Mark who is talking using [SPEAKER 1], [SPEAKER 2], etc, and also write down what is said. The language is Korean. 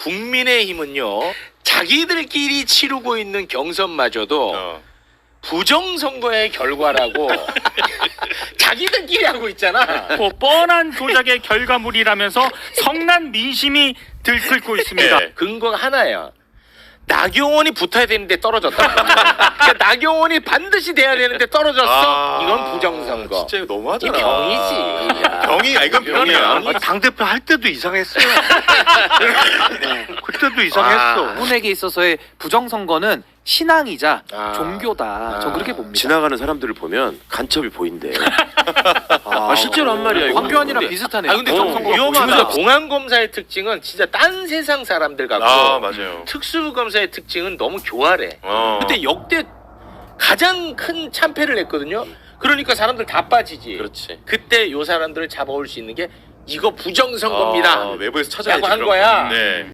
[SPEAKER 1] 국민의힘은요 자기들끼리 치르고 있는 경선마저도 부정선거의 결과라고 자기들끼리 하고 있잖아.
[SPEAKER 2] 뻔한 조작의 결과물이라면서 성난 민심이 들끓고 있습니다.
[SPEAKER 1] 네. 근거가 하나야. 나경원이 붙어야 되는데 떨어졌다. 그러니까 나경원이 반드시 돼야 되는데 떨어졌어. 이건 부정선거.
[SPEAKER 3] 진짜 이거 너무하잖아.
[SPEAKER 1] 이 병이지. 야.
[SPEAKER 3] 병이 이건 병이야.
[SPEAKER 4] 당대표 할 때도 이상했어요. 그때도 이상했어.
[SPEAKER 5] 분에게 있어서의 부정선거는 신앙이자
[SPEAKER 1] 아.
[SPEAKER 5] 종교다. 전 그렇게 봅니다.
[SPEAKER 6] 지나가는 사람들을 보면 간첩이 보인대. 실제로 한 말이야. 이거.
[SPEAKER 5] 황교안이랑 비슷하네요.
[SPEAKER 1] 아 근데
[SPEAKER 5] 부정선거가
[SPEAKER 1] 좀 위험하다.
[SPEAKER 5] 보입니다.
[SPEAKER 1] 공안검사의 특징은 진짜 딴 세상 사람들 같고
[SPEAKER 3] 맞아요.
[SPEAKER 1] 특수검사의 특징은 너무 교활해.
[SPEAKER 3] 어.
[SPEAKER 1] 근데 역대 가장 큰 참패를 했거든요. 그러니까 사람들 다 빠지지.
[SPEAKER 6] 그렇지.
[SPEAKER 1] 그때 요 사람들을 잡아올 수 있는 게 이거 부정선거입니다.
[SPEAKER 3] 외부에서 찾아야지.
[SPEAKER 1] 라고 한
[SPEAKER 3] 그런
[SPEAKER 1] 거야.
[SPEAKER 3] 거. 네.